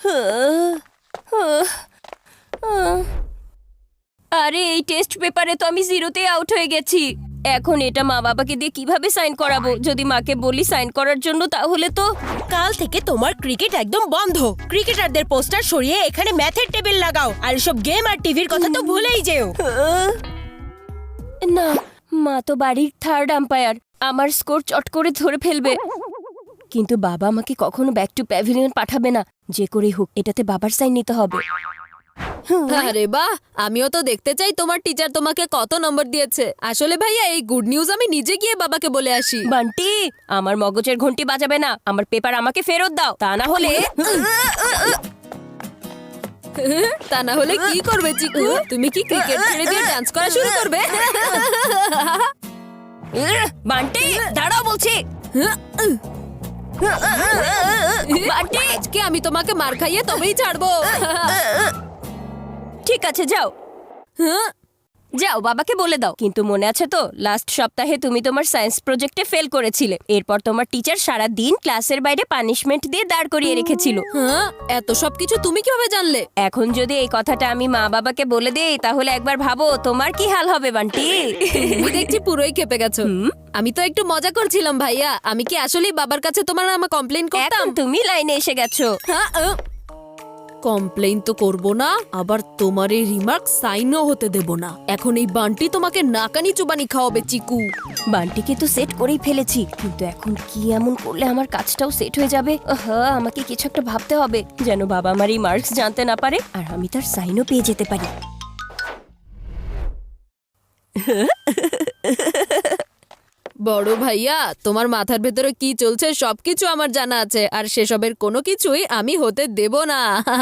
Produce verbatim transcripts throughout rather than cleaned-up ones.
আরে এই টেস্ট পেপারে তো আমি জিরোতে আউট হয়ে গেছি। এখন এটা মা বাবাকে দিয়ে কিভাবে সাইন করাবো? যদি মাকে বলি সাইন করার জন্য তাহলে তো কাল থেকে তোমার ক্রিকেট একদম বন্ধ। ক্রিকেটারদের পোস্টার সরিয়ে এখানে ম্যাথের টেবিল লাগাও, আর সব গেম আর টিভির কথা তো ভুলেই যেও। না, মা তো বাড়ির থার্ড আম্পায়ার, আমার স্কোর চট করে ধরে ফেলবে। কিন্তু বাবা আমাকে কখনো ব্যাক টু প্যাভিলিয়ন পাঠাবে না। যে করেই হোক এটাতে বাবার সাইন নিতে হবে। আরে বাহ, আমিও তো দেখতে চাই তোমার টিচার তোমাকে কত নম্বর দিয়েছে। আসলে ভাইয়া এই গুড নিউজ আমি নিজে গিয়ে বাবাকে বলে আসি। বান্টি, আমার মগজের ঘন্টি বাজাবে না। আমার পেপার আমাকে ফেরত দাও, তা না হলে তা না হলে কি করবে চিকু? তুমি কি ক্রিকেট ছেড়ে দিয়ে ডান্স করা শুরু করবে? বান্টি দাঁড়াও বলছি। বান্টি, আজকে আমি তোমাকে মার খাইয়ে তবেই ছাড়বো। ঠিক আছে যাও যাও, বাবাকে বলে দাও। কিন্তু মনে আছে তো লাস্ট সপ্তাহে তুমি তোমার সায়েন্স প্রজেক্টে ফেল করেছিলে। এরপর তোমার টিচার সারা দিন ক্লাসের বাইরে পানিশমেন্ট দিয়ে দাঁড় করিয়ে রেখেছিল। হ্যাঁ, এত সব কিছু তুমি কিভাবে জানলে? এখন যদি এই কথাটা আমি মা বাবাকে বলে দেই তাহলে একবার ভাবো তোমার কি হাল হবে বান্টি। তুমি দেখছি পুরোই খেপে গেছো। আমি তো একটু মজা করছিলাম ভাইয়া। আমি কি আসলেই বাবার কাছে তোমার নামে কমপ্লেইন করতাম? এখন তুমি লাইনে এসে গেছো। কমপ্লেইন তো করব না, আবার তোমার এই রিমার্ক সাইনও হতে দেব না। এখন এই বান্টি তোমাকে নাকানি চুবানি খাওয়াবে চিকু। বান্টিকে তো সেট করেই ফেলেছি, কিন্তু এখন কি এমন করলে আমার কাজটাও সেট হয়ে যাবে? হ্যাঁ, আমাকে কিছু একটা ভাবতে হবে যেন বাবা আমার এই মার্কস জানতে না পারে আর আমি তার সাইনও পেয়ে যেতে পারি। বড় ভাইয়া, তোমার মাথার ভেতরে কি চলছে সবকিছু আমার জানা আছে, আর সেসবের কোনো কিছুই আমি হতে দেব না।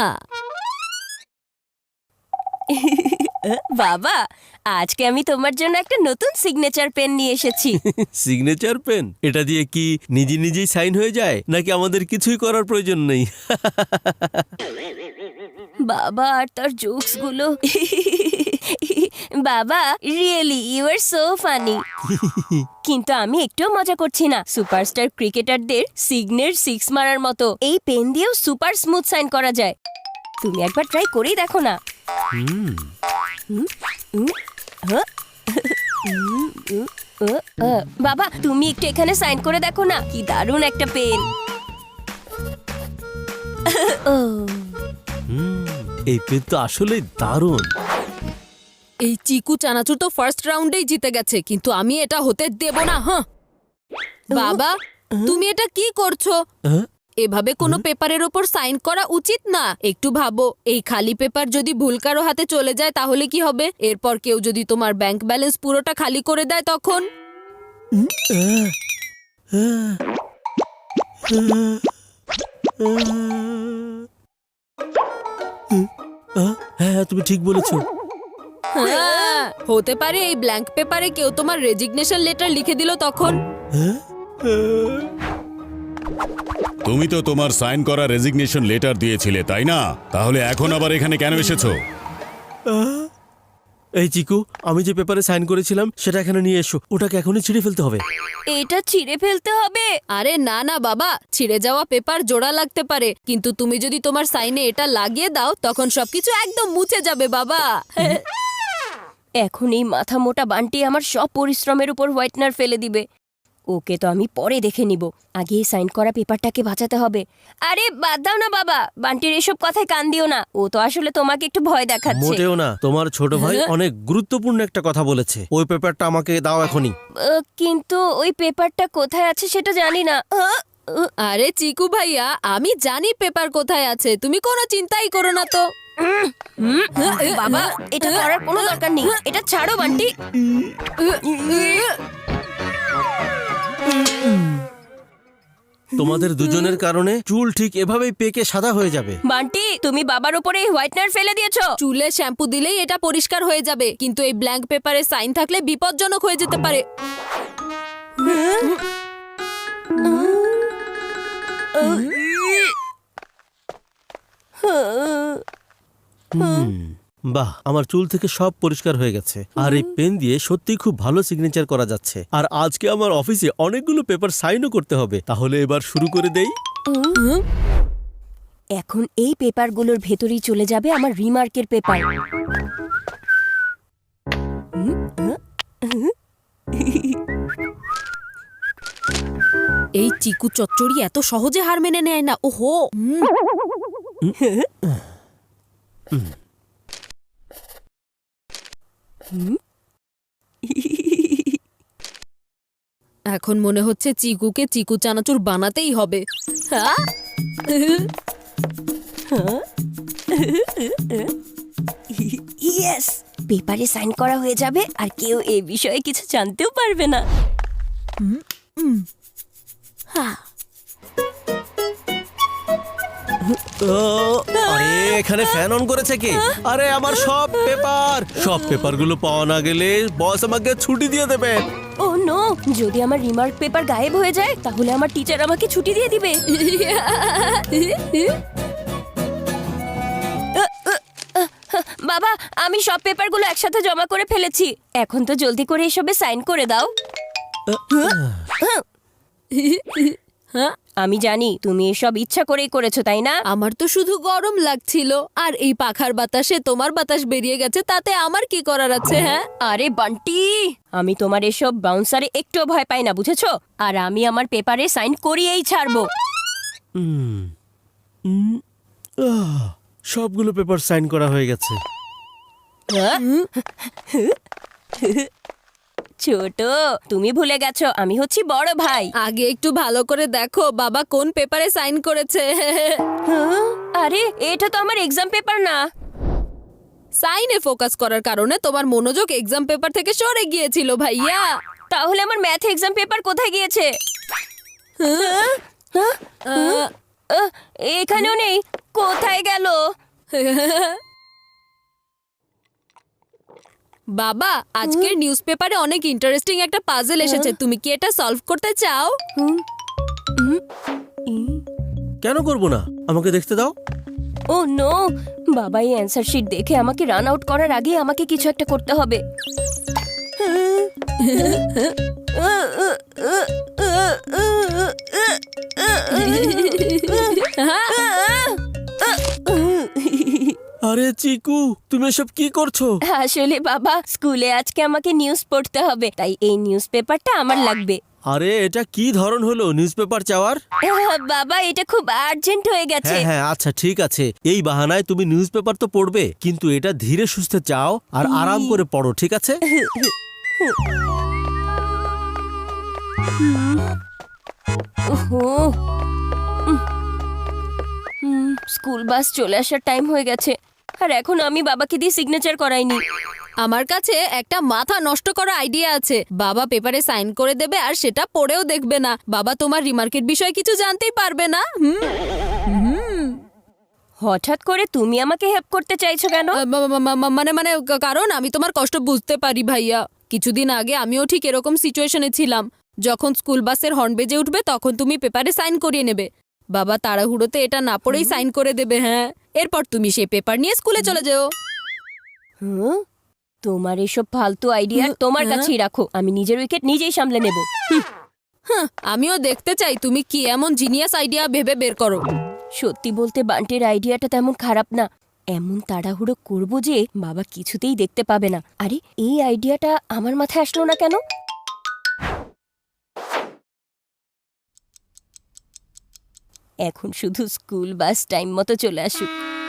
বাবা, আজকে আমি তোমার জন্য একটা নতুন সিগনেচার পেন নিয়ে এসেছি। Signature pen? এটা দিয়ে কি নিজে নিজেই সাইন হয়ে যায়, নাকি আমাদের কিছুই করার প্রয়োজন নেই? বাবা আর তার জোকস গুলো। বাবা, really you are so funny. কিন্তু আমি একটুও মজা করছি না। সুপারস্টার ক্রিকেটারদের সিগনের সিক্স মারার মতো এই পেন দিয়েও সুপার স্মুথ সাইন করা যায়। তুমি একবার ট্রাই করেই দেখো না। বাবা, তুমি একটু এখানে সাইন করে দেখো না, কি দারুণ একটা পেন। এই পেন তো আসলে দারুণ। এই চিকু চানাচুর তো ফার্স্ট রাউন্ডেই জিতে গেছে, কিন্তু আমি এটা হতে দেব না। হ্যাঁ বাবা, তুমি এটা কি করছো? এভাবে কোনো পেপারের ওপর সাইন করা উচিত না। একটু ভাবো, এই খালি পেপার যদি ভুল কারো হাতে চলে যায় তাহলে কি হবে? এরপর কেউ যদি তোমার ব্যাংক ব্যালেন্স পুরোটা খালি করে দেয় তখন? হ্যাঁ, তুমি ঠিক বলেছো। হ্যাঁ, হতে পারে এই ব্ল্যাঙ্ক পেপারে কেউ তোমার রেজিগনেশন লেটার লিখে দিল তখন। তুমি তো তোমার সাইন করা রেজিগনেশন লেটার দিয়েছিলে, তাই না? তাহলে এখন আবার এখানে কেন এসেছো? এই চিকু, আমি যে পেপারে সাইন করেছিলাম সেটা এখানে নিয়ে এসো। ওটাকে এখনই ছিঁড়ে ফেলতে হবে। এটা ছিঁড়ে ফেলতে হবে? আরে না না বাবা, ছিঁড়ে যাওয়া পেপার জোড়া লাগতে পারে, কিন্তু তুমি যদি তোমার সাইনে এটা লাগিয়ে দাও তখন সবকিছু একদম মুছে যাবে বাবা। এখন এই মাথা মোটা বান্টি আমার সব পরিশ্রমের উপর হোয়াইটনার ফেলে দিবে। ওকে তো আমি পরে দেখে নিব, আগে এই সাইন করা পেপারটাকে বাঁচাতে হবে। আরে বাদ দাও না বাবা, বান্টির এসব কথায় কান দিও না। ও তো আসলে তোমাকে একটু ভয় দেখাচ্ছে। মোটেও না, তোমার ছোট ভাই অনেক গুরুত্বপূর্ণ একটা কথা বলেছে। ওই পেপারটা আমাকে দাও এখনই। আহ, কিন্তু ওই পেপারটা কোথায় আছে সেটা জানি না। আহ, আহ, আরে চিকু ভাইয়া, আমি জানি পেপার কোথায় আছে, তুমি কোনো চিন্তাই করো না তো। বাবা, এটা করার কোনো দরকার নেই। এটা ছাড়ো বান্টি। তোমাদের দুজনের কারণে চুল ঠিক এভাবেই পেকে সাদা হয়ে যাবে। বান্টি, তুমি বাবার উপরে এই হোয়াইটনার ফেলে দিয়েছো। চুলে শ্যাম্পু দিলেই এটা পরিষ্কার হয়ে যাবে, কিন্তু এই ব্ল্যাঙ্ক পেপারে সাইন থাকলে বিপজ্জনক হয়ে যেতে পারে। বাহ, আমার চুল থেকে সব পরিষ্কার হয়ে গেছে। আর এই পেন দিয়ে সত্যি খুব ভালো সিগনেচার করা যাচ্ছে। আর আজকে আমার অফিসে অনেকগুলো পেপার সাইনও করতে হবে। তাহলে এবার শুরু করে দেই। এখন এই পেপারগুলোর ভেতরেই চলে যাবে আমার রিমার্কের পেপার। এই চিকু চচ্চড়ি এত সহজে হার মেনে নেয় না। ওহো হুম। এখন মনে হচ্ছে চিকুকে চিকু চানাচুর বানাতেই হবে। হ্যাঁ? ইয়েস, পেপারে সাইন করা হয়ে যাবে আর কেউ এই বিষয়ে কিছু জানতেও পারবে না। ও, আরে এখানে ফ্যান অন করেছে কে? আরে আমার সব পেপার সব পেপারগুলো পাওয়া না গেলে বস আমাকে ছুটি দিয়ে দেবে। ও নো, যদি আমার রিমার্ক পেপার গায়েব হয়ে যায় তাহলে আমার টিচার আমাকে ছুটি দিয়ে দিবে। বাবা, আমি সব পেপারগুলো একসাথে জমা করে ফেলেছি। এখন তো জলদি করে এসবে সাইন করে দাও। আমি জানি তুমি এসব ইচ্ছা করেই করেছো, তাই না? আমার তো শুধু গরম লাগছিল, আর এই পাখার বাতাসে তোমার বাতাস বেরিয়ে গেছে, তাতে আমার কি করার আছে? হ্যাঁ, আরে বান্টি, আমি তোমার এসব বাউন্সারে একটুও ভয় পাই না, বুঝেছো? আর আমি আমার পেপারে সাইন করিয়েই ছাড়বো। হুম, হুম, আহ, সবগুলো পেপার সাইন করা হয়ে গেছে। ছোট, তুমি ভুলে গেছো আমি হচ্ছি বড় ভাই। আগে একটু ভালো করে দেখো বাবা কোন পেপারে সাইন করেছে। হ্যাঁ? আরে এটা তো আমার এক্সাম পেপার না। সাইনে ফোকাস করার কারণে তোমার মনোযোগ এক্সাম পেপার থেকে সরে গিয়েছিল ভাইয়া। তাহলে আমার ম্যাথ এক্সাম পেপার কোথায় গিয়েছে? হ্যাঁ? হ্যাঁ? আহ, আহ, এখানেও নেই, কোথায় গেল? বাবা, আজকের নিউজ পেপারে অনেক ইন্টারেস্টিং একটা পাজল এসেছে, তুমি কি এটা সলভ করতে চাও? কেন করব না? আমাকে দেখতে দাও। ও নো, বাবা এই অ্যান্সার শিট দেখে আমাকে রান আউট করার আগে আমাকে কিছু একটা করতে হবে। আরে চিকু, তুমি এসব কি করছো? আসলে বাবা, স্কুলে আজকে আমাকে নিউজ পড়তে হবে, তাই এই নিউজ পেপারটা আমার লাগবে। আরে এটা কি ধরন হলো নিউজ পেপার চাওয়ার? আহ, বাবা এটা খুব আর্জেন্ট হয়ে গেছে। হ্যাঁ হ্যাঁ, আচ্ছা ঠিক আছে, এই বাহানায় তুমি নিউজ পেপার তো পড়বে, কিন্তু এটা ধীরে সুস্থে চাও আর আরাম করে পড়ো, ঠিক আছে? ওহো, উম, হুম, স্কুল বাস চলে আসার টাইম হয়ে গেছে, আর এখন আমি বাবাকে দিয়ে সিগনেচার করাইনি। আমার কাছে একটা মাথা নষ্ট করা আইডিয়া আছে। বাবা পেপারে সাইন করে দেবে আর সেটা পড়েও দেখবে না। বাবা তোমার রিমার্কের বিষয়ে কিছু জানতেই পারবে না। হুম, হঠাৎ করে তুমি আমাকে হেল্প করতে চাইছো কেন? আহ, মা- মা- মা- মা- মানে মানে কা- কারণ আমি তোমার কষ্ট বুঝতে পারি ভাইয়া। কিছুদিন আগে আমিও ঠিক এরকম সিচুয়েশনে ছিলাম। যখন স্কুল বাসের হর্ন বেজে উঠবে তখন তুমি পেপারে সাইন করিয়ে নেবে। বাবা তাড়াহুড়োতে এটা না পড়েই সাইন করে দেবে। হ্যাঁ, এরপর তুমি সেই পেপার নিয়ে স্কুলে চলে যাও। হুম, তোমার এসব ফালতু আইডিয়া তোমার কাছেই রাখো, আমি নিজের উইকেট নিজেই সামলে নেব। হ্যাঁ, আমিও দেখতে চাই তুমি কি এমন জিনিয়াস আইডিয়া ভেবে বের করো। সত্যি বলতে বান্টির আইডিয়াটা তেমন খারাপ না। এমন তাড়াহুড়ো করব যে বাবা কিছুতেই দেখতে পাবে না। আরে এই আইডিয়াটা আমার মাথায় আসলো না কেন? এখন শুধু স্কুল বাস টাইম মতো চলে আসুক।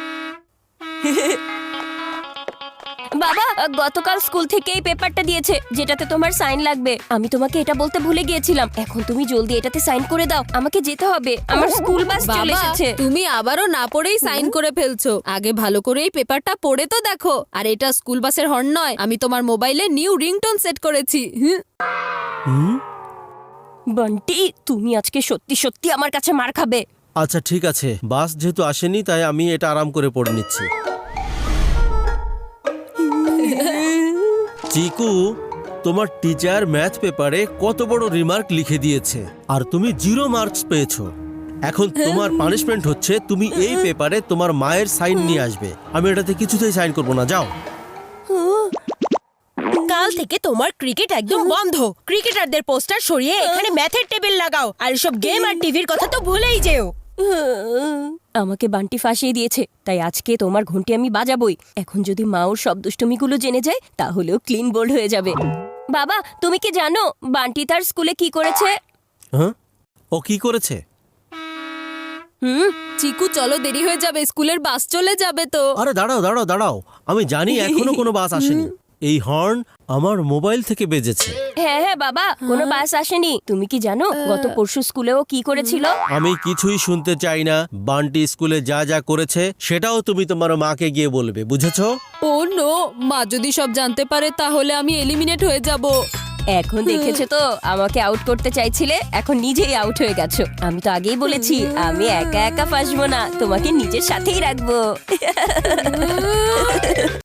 বাবা, গতকাল স্কুল থেকে এই পেপারটা দিয়েছে যেটাতে তোমার সাইন লাগবে। আমি তোমাকে এটা বলতে ভুলে গিয়েছিলাম। এখন তুমি জলদি এটাতে সাইন করে দাও, আমাকে যেতে হবে, আমার স্কুল বাস চলে বাবা, এসেছে। তুমি আবারও না পড়েই সাইন করে ফেলছো। আগে ভালো করে এই পেপারটা পড়ে তো দেখো। আর এটা স্কুল বাসের হর্ন নয়, আমি তোমার মোবাইলে নিউ রিংটোন সেট করেছি। হুম, হুম, বন্টি, তুমি আজকে সত্যি সত্যি আমার কাছে মার খাবে। আচ্ছা ঠিক আছে, বাস যেহেতু আসেনি তাই আমি এটা আরাম করে পড়ে নিচ্ছি। চিকু, তোমার টিচার ম্যাথ পেপারে কত বড় রিমার্ক লিখে দিয়েছে আর তুমি জিরো মার্কস পেয়েছো। এখন তোমার পানিশমেন্ট হচ্ছে তুমি এই পেপারে তোমার মায়ের সাইন নিয়ে আসবে। আমি এটাতে কিছুতেই সাইন করব না, যাও। কাল থেকে তোমার ক্রিকেট একদম বন্ধ। ক্রিকেটারদের পোস্টার সরিয়ে এখানে ম্যাথের টেবিল লাগাও, আর সব গেম আর টিভির কথা তো ভুলেই যেও। আমাকে বান্টি ফাঁসিয়ে দিয়েছে, তাই আজকে তোমার ঘন্টি আমি বাজাবই। এখন যদি মা ওর সব দুষ্টুমিগুলো জেনে যায় তাহলেও ক্লিন বোল্ড হয়ে যাবে। বাবা, তুমি কি জানো বান্টি তার স্কুলে কি করেছে? হ্যাঁ, ও কি করেছে? হুম, চিকু চলো, দেরি হয়ে যাবে, স্কুলের বাস চলে যাবে তো। আরে দাঁড়াও দাঁড়াও দাঁড়াও, আমি জানি এখনো কোনো বাস আসেনি। এই হর্ন আমার মোবাইল থেকে বেজেছে। হ্যাঁ হ্যাঁ বাবা, কোনো বাস আসেনি। তুমি কি জানো গত পরশু স্কুলেও কি করেছিল? আমি কিছুই শুনতে চাই না। বান্টি স্কুলে যা যা করেছে সেটাও তুমি তোমার মাকে গিয়ে বলবে, বুঝেছো? ও নো, মা যদি সব জানতে পারে তাহলে আমি এলিমিনেট হয়ে যাব। এখন দেখেছো তো, আমাকে আউট করতে চাইছিলে, এখন নিজেই আউট হয়ে গেছো। আমি তো আগেই বলেছি আমি একা একা ফাঁসবো না, তোমাকে নিজের সাথেই রাখবো।